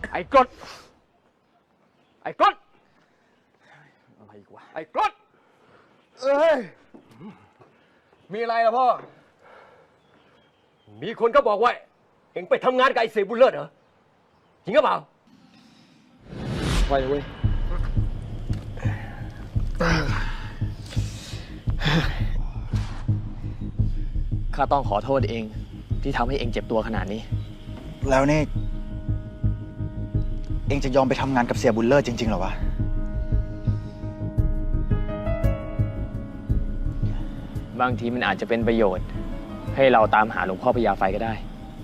ไอ้กรดอะไรอีกวะไอ้กรดเอ้ยมีอะไรล่ะพ่อมีคนก็บอกว่าเอ็งไปทำงานกับไอ้เสียบุญเลิศเหรอจริงหรือเปล่าไปเว้ยข้าต้องขอโทษเองที่ทำให้เองเจ็บตัวขนาดนี้แล้วนี่เองจะยอมไปทำงานกับเสียบุญเลิศจริงๆเหรอวะบางทีมันอาจจะเป็นประโยชน์ให้เราตามหาหลวงพ่อพญาไฟก็ได้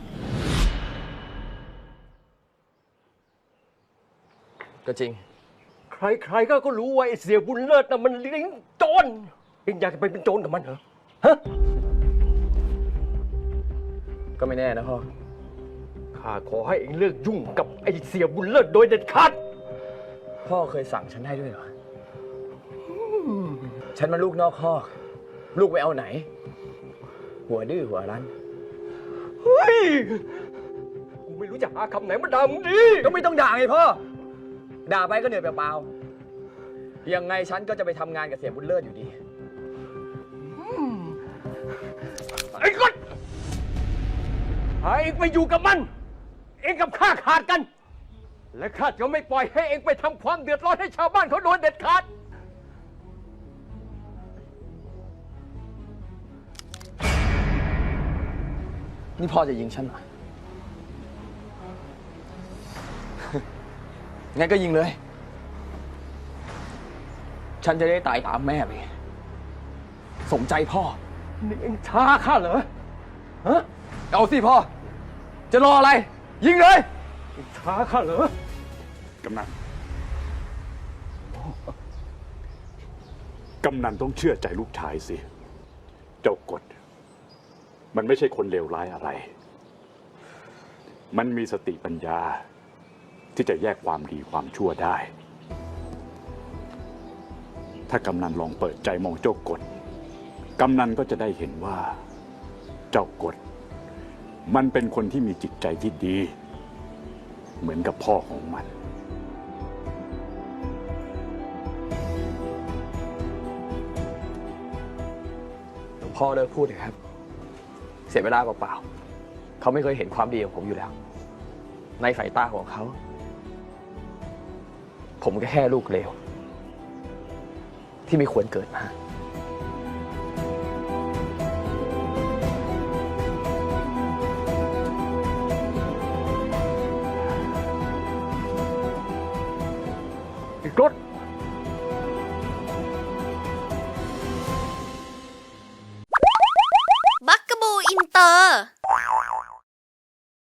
ก็จริงใครๆก็รู้ว่าไอ้เสียบุญเลิศน่ะมันเลี้ยงโจรเอ็งอยากจะไปเป็นโจรกับมันเหรอฮะก็ไม่แน่นะพ่อข้าขอให้เอ็งเลิกยุ่งกับไอ้เสียบุญเลิศโดยเด็ดขาดพ่อเคยสั่งฉันได้ด้วยเหรอฉันมาลูกนอกคอกลูกไปเอาไหนหัวดื้อหัวรั้นเฮ้ยกูไม่รู้จะหาคำไหนมาด่ามึงดีก็ไม่ต้องด่าไงพ่อด่าไปก็เหนื่อยเปล่าๆยังไงฉันก็จะไปทำงานกับเสียบุญเลิศอยู่ดีไอ้คนหาเองไปอยู่กับมันเองกับข้าขาดกันและข้าจะไม่ปล่อยให้เองไปทำความเดือดร้อนให้ชาวบ้านเขาโดนเด็ดขาดนี่พ่อจะยิงฉันเหรอ งั้นก็ยิงเลยฉันจะได้ตายตามแม่ไปสมใจพ่อนี่เองท้าข้าเหรอฮะเอาสิพ่อจะรออะไรยิงเลยเองท้าข้าเหรอกำนันต้องเชื่อใจลูกชายสิเจ้ากฎมันไม่ใช่คนเลวร้ายอะไรมันมีสติปัญญาที่จะแยกความดีความชั่วได้ ถ้ากำนันลองเปิดใจมองเจ้ากฎกำนันก็จะได้เห็นว่าเจ้ากฎมันเป็นคนที่มีจิตใจที่ดีเหมือนกับพ่อของมันหลวงพ่อเลิกพูดเถอะครับเสียเวลาเปล่าๆเขาไม่เคยเห็นความดีของผมอยู่แล้วในสายตาของเขาผมก็แค่ลูกเลวที่ไม่ควรเกิดมาไอ้กรด